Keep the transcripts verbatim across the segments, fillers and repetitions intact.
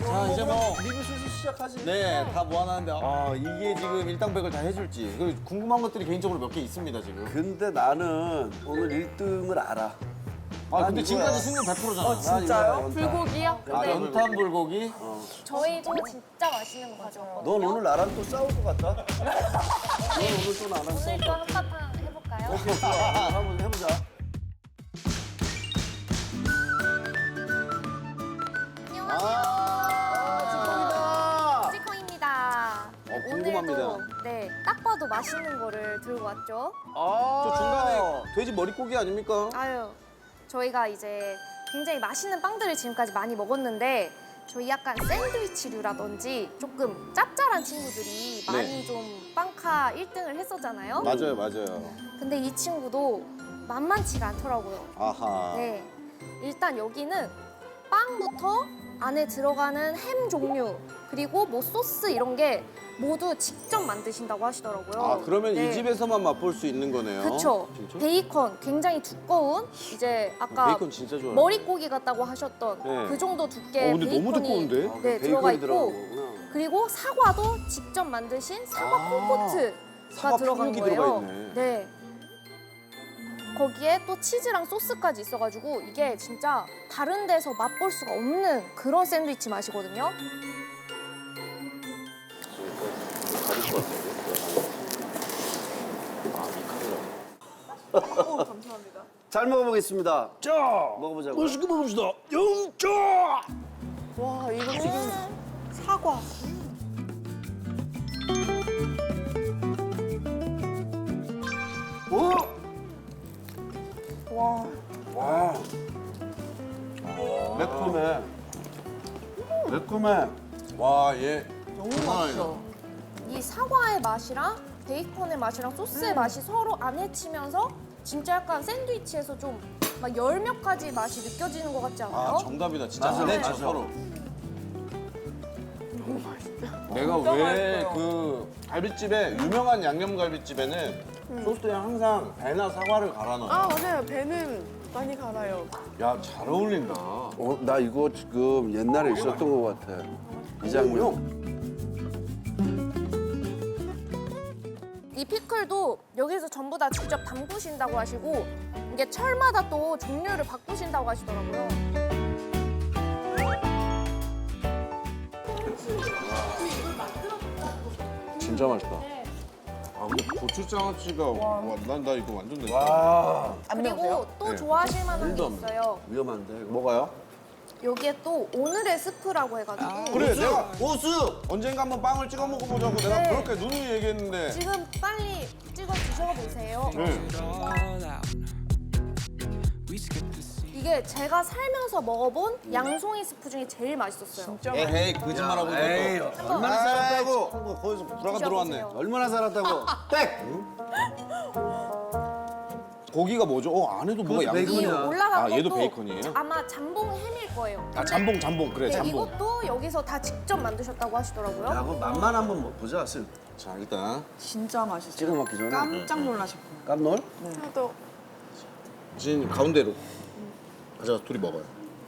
자, 이제 뭐 리뷰 슬슬 시작하지. 네, 다 모아놨는데 아, 이게 지금 일당백을 다 해줄지 그리고 궁금한 것들이 개인적으로 몇 개 있습니다, 지금. 근데 나는 오늘 일 등을 알아. 아, 근데 이거야. 지금까지 승률 백 퍼센트잖아. 어, 진짜요? 불고기요? 아, 네. 연탄 불고기? 저희도 진짜 맛있는 거 가져왔거든요. 넌 오늘 나랑 또 싸울 것 같다? 넌 오늘 또 나랑 싸울 오늘 것 또 같다? 한바탕 해볼까요? 오케이, 좋아. 한번 해보자. 안녕하세요. 찌콩입니다. 어, 궁금합니다. 오늘도 네, 딱 봐도 맛있는 거를 들고 왔죠. 아, 저 중간에 돼지 머릿고기 아닙니까? 아유, 저희가 이제 굉장히 맛있는 빵들을 지금까지 많이 먹었는데 저희 약간 샌드위치류라든지 조금 짭짤한 친구들이 네. 많이 좀 빵카 일 등을 했었잖아요. 맞아요, 맞아요. 근데 이 친구도 만만치가 않더라고요. 아하. 네, 일단 여기는 빵부터 안에 들어가는 햄 종류 그리고 뭐 소스 이런 게 모두 직접 만드신다고 하시더라고요. 아, 그러면 네. 이 집에서만 맛볼 수 있는 거네요. 그쵸. 진짜? 베이컨 굉장히 두꺼운 이제 아까 베이컨 진짜 좋아요. 머릿고기 같다고 하셨던 네. 그 정도 두께 어, 근데 너무 베이컨이 두꺼운데? 아, 네, 베이컨이 들어가 있고 들어간 거구나. 그리고 사과도 직접 만드신 사과 아, 콤포트가 사과 들어간 푸르기 거예요. 들어가 있네. 네. 거기에 또 치즈랑 소스까지 있어가지고 이게 진짜 다른 데서 맛볼 수가 없는 그런 샌드위치 맛이거든요. 잘 먹어보겠습니다. 자, 먹어보자고요. 맛있게 먹읍시다. 영자. 와 이거 지금 사과. 오! 와 와. 매콤해. 매콤해. 와, 얘. 너무 장난 맛있어. 이 사과의 맛이랑 베이컨의 맛이랑 소스의 맛이 서로 안 해치면서 진짜 약간 샌드위치에서 좀 막 열 몇 가지 맛이 느껴지는 것 같지 않아요? 아, 정답이다. 진짜 맞아, 안 맞아. 해쳐, 서로. 내가 왜 그 갈비집에 유명한 양념갈비집에는 소스에 항상 배나 사과를 갈아 넣어. 아 맞아요. 배는 많이 갈아요. 야, 잘 어울린다. 어, 나 이거 지금 옛날에 있었던 것 같아. 이 장면. 이 피클도 여기서 전부 다 직접 담그신다고 하시고 이게 철마다 또 종류를 바꾸신다고 하시더라고요. 진짜 맛있다. 아, 근데 고추장아찌가 와, 난 나 이거 완전 내. 와. 안 그리고 매우세요? 또 네. 좋아하실 만한 게 일도 안 있어요. 위험한데. 이거. 뭐가요? 여기에 또 오늘의 스프라고 해가지고 그래, 내가 오수 언젠가 한번 빵을 찍어 먹어보자고 내가 네. 그렇게 누누이 얘기했는데. 지금 빨리 찍어 드셔보세요. 네. 이게 제가 살면서 먹어본 양송이 스프 중에 제일 맛있었어요. 진짜 에헤이, 거짓말하고 에이, 있는 거. 한번 얼마나 살았다고? 한거 거기서 불화가 들어왔네. 드셔보세요. 얼마나 살았다고? 백! 고기가 뭐죠? 어, 안에도 뭐가 그것도 양이 이 베이컨이야. 올라간 아, 얘도 것도 베이컨이에요? 아마 잠봉 햄일 거예요. 아, 잠봉, 잠봉. 그래, 네, 잠봉. 이것도 여기서 다 직접 만드셨다고 하시더라고요. 야, 그거 맛만 한번 먹- 보자. 쓱. 자, 일단 진짜 맛있어. 찍어 먹기 전에. 깜짝 놀라실 거예요. 깜놀? 저도 진 가운데로 가자, 둘이 먹어요.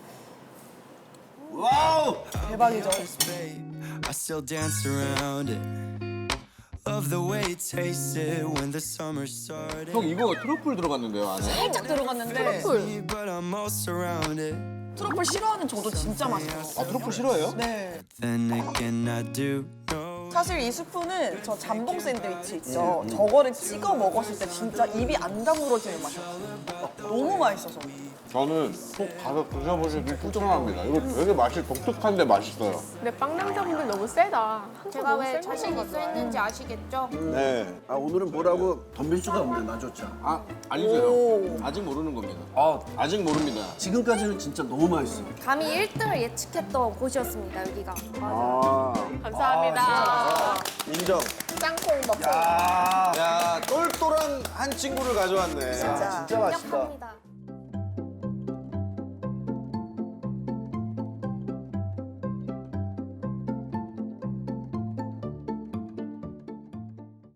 와우! 대박이죠. I still dance around it. Love the way it tasted when the summer started. 형, 이거 트러플 들어갔는데요, 안에? 살짝 들어갔는데 But I'm all surrounded. 트러플 싫어하는 저도 진짜 맛있어요. 아, 트러플 싫어해요? 네. Then again, I do know. 사실 이 스프는 저 잠봉 샌드위치 있죠. 저거를 찍어 먹었을 때 진짜 입이 안 다물어지는 맛이었어요. 너무 맛있어서. 저는 꼭 가서 드셔보시길 추천합니다. 이거 되게 맛이 독특한데 맛있어요. 근데 빵 남자분들 너무 세다. 제가 왜 자신 있어 했는지 아시겠죠? 네. 아, 오늘은 뭐라고 덤빌 수가 없네, 나조차. 아, 알려줘요. 아직 모르는 겁니다. 아, 아직 모릅니다. 지금까지는 진짜 너무 맛있어. 감히 일 등을 예측했던 곳이었습니다, 여기가. 아, 감사합니다. 인정. 짱콩 먹고. 아, 야, 똘똘한 한 친구를 가져왔네. 진짜 맛있다. 강력합니다.